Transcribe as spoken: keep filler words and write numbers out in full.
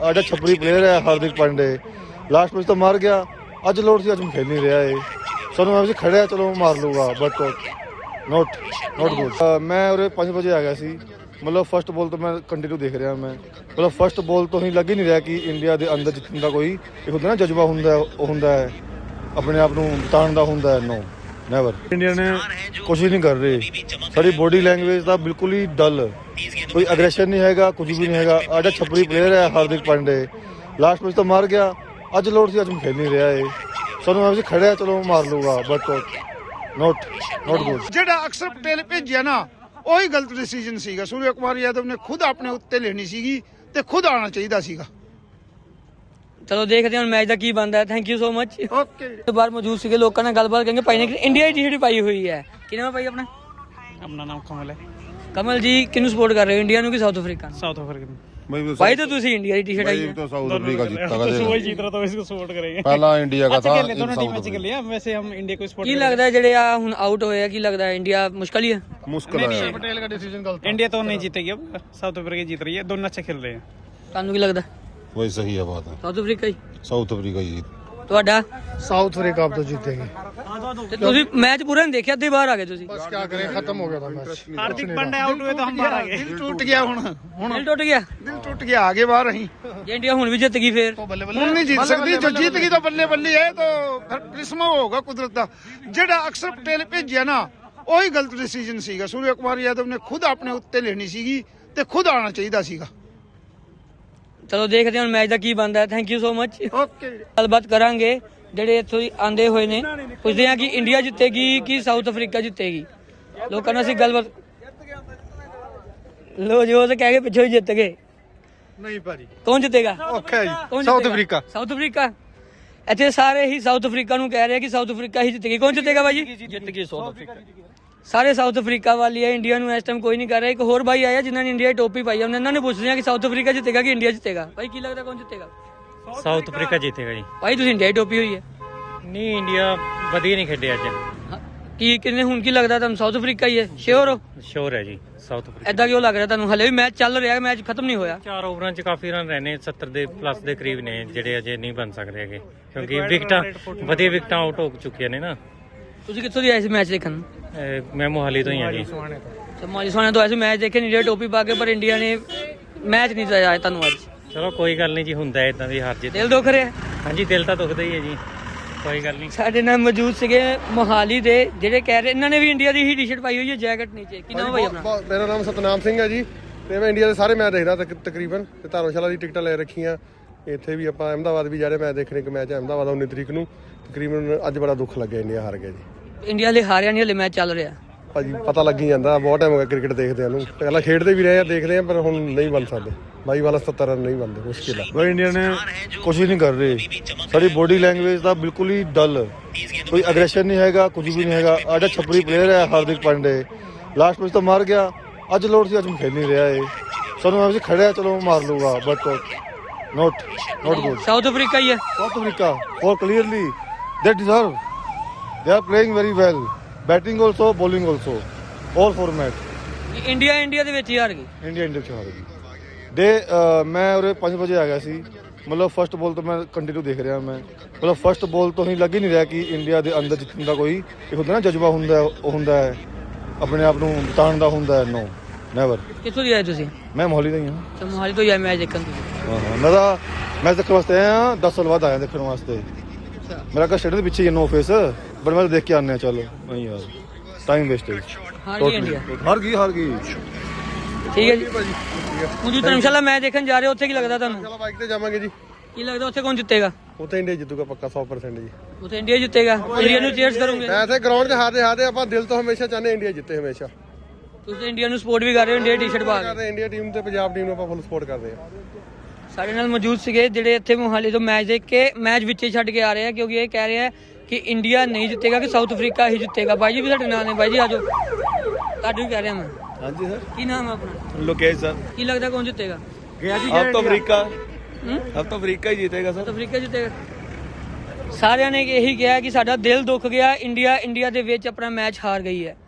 आजा छपरी प्लेयर है हार्दिक पांडे लास्ट मैच तो मार गया अज लोड से अज खेल नहीं रहा है सानू मैं खड़े चलो मार लूँगा बट नॉट नॉट गुड। मैं उरे पाँच बजे आ गया सी मतलब फस्ट बॉल तो मैं कंटिन्यू देख रहा मैं मतलब फस्ट बॉल तो ही लग ही नहीं रहा कि इंडिया के अंदर जितने का कोई एक होता ना जज्बा होंगे होंगे अपने आप को बताने का होंगे नो नैवर। इंडिया ने कोशिश नहीं कर रही सारी बॉडी लैंग्वेज का बिल्कुल ही डल कोई अग्रेशन नहीं हैगा कुछ भी नहीं हैगा। आजा छपरी प्लेयर है हार्दिक पांडे लास्ट मैच तो मार गया अज लोड से अज खेल नहीं रहा है सानू मैं खड़े चलो मार लूँगा बट नॉट नॉट गुड। ਜਿਹੜਾ ਅਕਸਰ ਪਟੇਲ ਭੇਜਿਆ ਨਾ ਉਹੀ ਗਲਤ ਡਿਸੀਜਨ ਸੀਗਾ। ਸੂਰਿਆ ਕੁਮਾਰ ਯਾਦਵ ਨੇ ਖੁਦ ਆਪਣੇ ਉੱਤੇ ਲੈਣੀ ਸੀਗੀ ਤੇ ਖੁਦ ਆਉਣਾ ਚਾਹੀਦਾ ਸੀਗਾ। ਚਲੋ ਦੇਖਦੇ ਹਾਂ ਮੈਚ ਦਾ ਕੀ ਬਣਦਾ ਹੈ। Thank you so much. Okay ਬਾਹਰ ਮੌਜੂਦ ਸੀਗੇ ਲੋਕਾਂ ਨਾਲ ਗੱਲਬਾਤ ਕਰਾਂਗੇ। ਭਾਈ ਨੇ ਇੰਡੀਆ ਦੀ ਟੀ-ਸ਼ਰਟ ਪਾਈ ਹੋਈ ਹੈ। ਕੀ ਨਾਮ ਹੈ ਭਾਈ ਆਪਣਾ? अपना नाम कमल है। ਕਮਲ ਜੀ ਕਿਹਨੂੰ ਸਪੋਰਟ ਕਰ ਰਹੇ ਹੋ ਇੰਡੀਆ ਨੂੰ ਕਿ ਸਾਊਥ ਅਫਰੀਕਾ ਨੂੰ? साउथ अफ्रीका भाई तो तुसी इंडिया की टी-शर्ट आई है तो साउथ अफ्रीका जीता तो वही जीत रहा था इसको सपोर्ट करेंगे। पहला इंडिया का था दोनों टीम अच्छी खेली है वैसे हम इंडिया को सपोर्ट ਕੀ ਲੱਗਦਾ ਹੈ ਜਿਹੜੇ ਆ ਹੁਣ ਆਊਟ ਹੋਏ ਆ ਕੀ ਲੱਗਦਾ ਹੈ ਇੰਡੀਆ ਮੁਸ਼ਕਲ ਹੀ ਹੈ? मुश्किल है ਪਟੇਲ ਦਾ ਡਿਸੀਜਨ ਗਲਤ इंडिया तो नहीं जीतेगी अब साउथ अफ्रीका जीत रही है दोनों अच्छे खेल रहे हैं। ਤੁਹਾਨੂੰ ਕੀ ਲੱਗਦਾ? वही सही है बात है ਸਾਊਥ ਅਫਰੀਕਾ ਹੀ साउथ अफ्रीका जीत ਤੁਹਾਡਾ? ਸਾਊਥ ਅਫਰੀਕਾ ਆਪ ਤੋਂ ਜਿੱਤੇਗੇ। ਤੇ ਤੁਸੀਂ ਮੈਚ ਪੂਰਾ ਨਹੀਂ ਦੇਖਿਆ ਅੱਧੇ ਬਾਹਰ ਆ ਗਏ ਤੁਸੀਂ। ਬਸ ਕੀ ਕਰੇ ਖਤਮ ਹੋ ਗਿਆ ਤਾਂ ਮੈਚ। हार्दिक पांड्या आउट हुए तो हम बाहर आ गए। ਦਿਲ ਟੁੱਟ ਗਿਆ ਹੁਣ ਹੁਣ ਦਿਲ ਟੁੱਟ ਗਿਆ ਦਿਲ ਟੁੱਟ ਗਿਆ ਆਗੇ ਬਾਹਰ ਅਸੀਂ ਜੇ ਇੰਡੀਆ ਹੁਣ ਵੀ ਜਿੱਤ ਗਈ ਫੇਰ ਹੁਣ ਨਹੀਂ ਜਿੱਤ ਸਕਦੀ ਜੋ जीत गई तो बल्ले बल्ले है तो फिर करिश्मा होगा कुदरत का। ਜਿਹੜਾ ਅਕਸਰ ਪਟੇਲ ਭੇਜਿਆ ਨਾ ਉਹੀ ਗਲਤ ਡਿਸੀਜਨ ਸੀਗਾ। ਸੂਰਿਆ ਕੁਮਾਰ ਯਾਦਵ ਨੇ ਖੁਦ ਆਪਣੇ ਉੱਤੇ ਲੈਣੀ ਸੀਗੀ ਤੇ ਖੁਦ ਆਉਣਾ ਚਾਹੀਦਾ ਸੀਗਾ। ਚਲੋ ਦੇਖਦੇ ਹਾਂ ਮੈਚ ਦਾ ਕੀ ਬਣਦਾ ਹੈ। Thank you so much. Okay ਗੱਲਬਾਤ ਕਰਾਂਗੇ ਜਿਹੜੇ ਇੱਥੋਂ ਆਂਦੇ ਹੋਏ ਨੇ ਪੁੱਛਦੇ ਹਾਂ ਕਿ ਇੰਡੀਆ ਜਿੱਤੇਗੀ ਕਿ ਸਾਊਥ ਅਫਰੀਕਾ ਜਿੱਤੇਗੀ। ਲੋਕਾਂ ਨਾਲ ਅਸੀਂ ਗੱਲਬਾਤ ਲੋ ਜੋ ਤੇ ਕਹਿ ਕੇ ਪਿੱਛੋਂ ਹੀ ਜਿੱਤ ਗਏ। ਨਹੀਂ ਭਾਜੀ ਕੌਣ ਜਿੱਤੇਗਾ? ਓਕੇ ਜੀ ਕੌਣ ਸਾਊਥ ਜਿੱਤੇਗਾ? ਅਫਰੀਕਾ ਸਾਊਥ ਅਫਰੀਕਾ ਇੱਥੇ ਸਾਰੇ ਹੀ ਸਾਊਥ ਅਫਰੀਕਾ ਨੂੰ ਕਹਿ ਰਹੇ ਕਿ ਸਾਊਥ ਅਫਰੀਕਾ ਹੀ ਜਿੱਤੇਗੀ। ਕੌਣ ਜਿੱਤੇਗਾ ਭਾਜੀ? जित गई साउथ अफ्रीका। ਸਾਰੇ ਸਾਊਥ ਅਫਰੀਕਾ ਵਾਲੀ ਹੈ ਇੰਡੀਆ ਨੂੰ ਇਸ ਟਾਈਮ ਕੋਈ ਨਹੀਂ ਕਰ ਰਿਹਾ। ਇੱਕ ਹੋਰ ਭਾਈ ਆਇਆ ਜਿਨ੍ਹਾਂ ਨੇ ਇੰਡੀਆ ਦੀ ਟੋਪੀ ਪਾਈ ਹੈ ਉਹਨਾਂ ਨੇ ਪੁੱਛਦੇ ਆ ਕਿ ਸਾਊਥ ਅਫਰੀਕਾ ਜਿੱਤੇਗਾ ਕਿ ਇੰਡੀਆ ਜਿੱਤੇਗਾ। ਭਾਈ ਕੀ ਲੱਗਦਾ ਕੌਣ ਜਿੱਤੇਗਾ? साउथ अफ्रीका जीतेगा जी। ਭਾਈ ਤੁਸੀਂ ਇੰਡੀਆ ਦੀ ਟੋਪੀ ਹੋਈ ਹੈ नहीं इंडिया ਵਧੀਆ नहीं खेले ਅੱਜ। ਹਾਂ, ਕੀ ਕਿੰਨੇ ਹੁਣ ਕੀ ਲੱਗਦਾ ਤੁਹਾਨੂੰ ਸਾਊਥ ਅਫਰੀਕਾ ਹੀ ਹੈ ਸ਼ੋਰ ਹੋ? ਸ਼ੋਰ ਹੈ ਜੀ ਸਾਊਥ ਅਫਰੀਕਾ। ਐਦਾਂ ਕਿਉਂ ਲੱਗ ਰਿਹਾ ਤੁਹਾਨੂੰ? ਹਲੇ ਵੀ ਮੈਚ ਚੱਲ ਰਿਹਾ ਮੈਚ ਖਤਮ ਨਹੀਂ ਹੋਇਆ। ਚਾਰ ਓਵਰਾਂ 'ਚ ਕਾਫੀ ਰਨ ਰਹਿਣੇ ਸੱਤਰ ਦੇ ਪਲੱਸ ਦੇ ਕਰੀਬ ਨੇ ਜਿਹੜੇ ਅਜੇ ਨਹੀਂ ਬਣ ਸਕਦੇ ਹੈਗੇ ਕਿਉਂਕਿ ਵਿਕਟਾਂ ਵਧੀਆ ਵਿਕਟਾਂ ਆਊਟ ਹੋ ਚੁੱਕੀਆਂ ਨੇ ਨਾ। ਤੁਸੀਂ ਕਿੱਥੋਂ ਦੀ ਆਏ ਸੀ ਮੈਚ ਦੇਖਣ ਨੂੰ? ਅਹ ਮੈਂ ਮੋਹਾਲੀ ਤੋਂ ਹੀ ਹਾਂ ਜੀ। ਮਾਲੀ ਸੋਹਣੇ ਤੋਂ ਆਏ ਸੀ ਮੈਚ ਦੇਖਣ ਇੰਡੀਆ ਟੋਪੀ ਪਾ ਕੇ ਪਰ ਇੰਡੀਆ ਨੇ ਮੈਚ ਨਹੀਂ ਜਿਤਾਇਆ ਤੁਹਾਨੂੰ ਅੱਜ। ਚਲੋ ਕੋਈ ਗੱਲ ਨਹੀਂ ਜੀ ਹੁੰਦਾ ਇਦਾਂ ਦੀ ਹਾਰ ਜਿੱਤ। ਦਿਲ ਦੁੱਖ ਰਿਹਾ। ਹਾਂਜੀ ਦਿਲ ਤਾਂ ਦੁਖਦਾ ਹੀ ਹੈ ਜੀ ਕੋਈ ਗੱਲ ਨਹੀਂ। ਸਾਡੇ ਨਾਲ ਮੌਜੂਦ ਸੀਗੇ ਮੋਹਾਲੀ ਦੇ ਜਿਹੜੇ ਕਹਿ ਰਹੇ ਇਹਨਾਂ ਨੇ ਵੀ ਇੰਡੀਆ ਦੀ ਹੀ ਟੀ-ਸ਼ਰਟ ਪਾਈ ਹੋਈ ਹੈ ਜੈਕਟ ਨੀਚੇ। ਕੀ ਨਾਮ ਭਾਈ ਆਪਣਾ? ਮੇਰਾ ਨਾਮ ਸਤਨਾਮ ਸਿੰਘ ਹੈ ਜੀ ਤੇ ਮੈਂ ਇੰਡੀਆ ਦੇ ਸਾਰੇ ਮੈਚ ਦੇਖਦਾ ਤਕ- ਤਕਰੀਬਨ ਤੇ ਧਰਮਸ਼ਾਲਾ ਦੀ ਟਿਕਟਾਂ ਲੈ ਰੱਖੀਆਂ। ਇੱਥੇ ਵੀ ਆਪਾਂ ਅਹਿਮਦਾਬਾਦ ਵੀ ਜਾ ਰਹੇ ਮੈਚ ਦੇਖਣੇ। ਇੱਕ ਮੈਚ ਅਹਿਮਦਾਬਾਦ ਉੱਨੀ ਤਰੀਕ ਨੂੰ ਤਕਰੀਬਨ ਅੱਜ ਬੜਾ ਦੁੱਖ ਲੱਗਿਆ ਇੰਡੀਆ ਹਾਰ ਗਿਆ ਜੀ। ਇੰਡੀਆ ਲਈ ਹਾਰਿਆ ਨਹੀਂ ਹਲੇ ਮੈਚ ਚੱਲ ਰਿਹਾ। ਭਾਜੀ ਪਤਾ ਲੱਗ ਹੀ ਜਾਂਦਾ ਬਹੁਤ ਟਾਈਮ ਹੋ ਗਿਆ ਕ੍ਰਿਕਟ ਦੇਖਦੇ ਨੂੰ। ਪਹਿਲਾਂ ਖੇਡਦੇ ਵੀ ਰਹੇ ਆ ਦੇਖਦੇ ਆ ਪਰ ਹੁਣ ਨਹੀਂ ਬਣ ਸਕਦੇ। ਬਾਈ ਵਾਲਾ सत्तर ਰਨ नहीं बनते मुश्किल है। भाई इंडिया ने कोशिश नहीं कर रही सारी बॉडी लैंग्वेज का बिल्कुल ही डल कोई अग्रेशन नहीं हैगा कुछ भी नहीं हैगा। आजा छपरी प्लेयर है हार्दिक पांडे लास्ट मैच तो मार गया अज लोड से अज खेल नहीं रहा है सानू मैं खड़े चलो मार लूँगा but not not good. South Africa ਹੀ ਹੈ। South Africa for clearly they deserve they are playing very well batting also bowling also all format India India ਦੇ ਵਿੱਚ ਹੀ ਹਾਰ ਗਈ। इंडिया इंडिया से हार गई ਦੇ ਮੈਂ ਉਰੇ ਪੰਜ ਵਜੇ ਆ ਗਿਆ ਸੀ ਮਤਲਬ ਫਸਟ ਬੋਲ ਤੋਂ ਮੈਂ ਕੰਟੀਨਿਊ ਦੇਖ ਰਿਹਾ ਮੈਂ ਮਤਲਬ ਫਸਟ ਬੋਲ ਤੋਂ ਹੀ ਲੱਗ ਹੀ ਨਹੀਂ ਰਿਹਾ ਕਿ ਇੰਡੀਆ ਦੇ ਅੰਦਰ ਜਿੱਤਣ ਦਾ ਕੋਈ ਇੱਕ ਹੁੰਦਾ ਨਾ ਜਜ਼ਬਾ ਹੁੰਦਾ ਉਹ ਹੁੰਦਾ ਹੈ ਆਪਣੇ ਆਪ ਨੂੰ ਬਤਾਉਣ ਦਾ ਹੁੰਦਾ ਹੈ ਨੋ ਨੈਵਰ। ਕਿੱਥੋਂ ਦੀ ਆਏ ਤੁਸੀਂ? ਮੈਂ ਮੋਹਾਲੀ ਦਾ ਹੀ ਹਾਂ। ਅੱਛਾ ਮੋਹਾਲੀ ਤੋਂ ਹੀ ਆਏ ਮੈਚ ਦੇਖਣ ਤੁਸੀਂ? ਹਾਂ ਹਾਂ ਮੈਂ ਤਾਂ ਮੈਚ ਦੇਖਣ ਵਾਸਤੇ ਆਇਆ ਦਸ ਸਾਲ ਬਾਅਦ ਆਇਆ ਦੇਖਣ ਵਾਸਤੇ। ਮੇਰਾ ਘਰ ਸਟੇਡੀਅਮ ਦੇ ਪਿੱਛੇ ਹੀ ਹੈ ਨੋ ਫੇਸ ਬਟ ਮੈਂ ਤਾਂ ਦੇਖ ਕੇ ਆਉਂਦੇ ਹਾਂ ਚਲੋ ਨਹੀਂ ਯਾਰ ਟਾਈਮ ਵੇਸਟੇਜ। ਹਾਰ ਗਈ ਇੰਡੀਆ। ਹਾਰ ਗਈ ਹਾਰ ਗਈ ਠੀਕ ਹੈ ਜੀ। ਹੁਣ ਜੀ ਧਰਮਸ਼ਾਲਾ ਮੈਚ ਦੇਖਣ ਜਾ ਰਹੇ ਹੋ ਉੱਥੇ ਕੀ ਲੱਗਦਾ ਤੁਹਾਨੂੰ? ਚਲੋ ਬਾਈਕ ਤੇ ਜਾਵਾਂਗੇ ਜੀ। ਕੀ ਲੱਗਦਾ ਉੱਥੇ ਕੌਣ ਜਿੱਤੇਗਾ? ਉੱਥੇ ਇੰਡੀਆ ਜਿੱਤੂਗਾ ਪੱਕਾ ਸੌ ਪ੍ਰਸੈਂਟ ਜੀ। ਉੱਥੇ ਇੰਡੀਆ ਜਿੱਤੇਗਾ। ਇੰਡੀਆ ਨੂੰ ਚੀਅਰਸ ਕਰੋਗੇ? ਐਸੇ ਗਰਾਊਂਡ 'ਚ ਹਾਰਦੇ ਹਾਰਦੇ ਆਪਾਂ ਦਿਲ ਤੋਂ ਹਮੇਸ਼ਾ ਚਾਹੁੰਦੇ ਇੰਡੀਆ ਜਿੱਤੇ ਹਮੇਸ਼ਾ। ਤੁਸੀਂ ਇੰਡੀਆ ਨੂੰ ਸਪੋਰਟ ਵੀ ਕਰ ਰਹੇ ਹੋ ਇੰਡੀਆ ਟੀ-ਸ਼ਰਟ ਪਾ ਕੇ। ਕਰਦੇ ਇੰਡੀਆ ਟੀਮ ਤੇ ਪੰਜਾਬ ਟੀਮ ਨੂੰ ਆਪਾਂ ਫੁੱਲ ਸਪੋਰਟ ਕਰਦੇ ਆ। ਸਾਡੇ ਨਾਲ ਮੌਜੂਦ ਸੀਗੇ ਜਿਹੜੇ ਇੱਥੇ ਮੋਹਾਲੀ ਤੋਂ ਮੈਚ ਦੇਖ ਕੇ ਮੈਚ ਵਿੱਚੇ ਛੱਡ ਕੇ ਆ ਰਹੇ ਆ ਕਿਉਂਕਿ ਇਹ ਕਹਿ ਰਹੇ ਆ ਕਿ ਇੰਡੀਆ ਨਹੀਂ ਜਿੱਤੇਗਾ ਕਿ ਸਾਊਥ ਅਫਰੀਕਾ ਹੀ ਜਿੱਤੇਗਾ। ਬਾਈ ਜੀ ਵੀ ਸਾਡੇ ਨਾਲ ਨੇ। ਬਾਈ ਜੀ ਆਜੋ ਤੁਹਾਨੂੰ ਵੀ ਕਹਿ ਰਿਹਾ ਮੈਂ। हाँ जी सर ਕੀ ਨਾਮ ਹੈ ਆਪਣਾ? लोकेश सर ਕੀ ਲੱਗਦਾ ਕੌਣ ਜਿੱਤੇਗਾ? अब तो अफ्रीका ਹੂੰ? अब तो अफ्रीका ही जीतेगा ਸਾਊਥ ਅਫਰੀਕਾ ਜਿੱਤੇਗਾ। ਸਾਰਿਆਂ ਨੇ ਇਹੀ ਕਿਹਾ ਕਿ ਸਾਡਾ ਦਿਲ ਦੁੱਖ ਗਿਆ ਇੰਡੀਆ ਇੰਡੀਆ ਦੇ ਵਿੱਚ ਆਪਣਾ ਮੈਚ ਹਾਰ ਗਈ ਹੈ।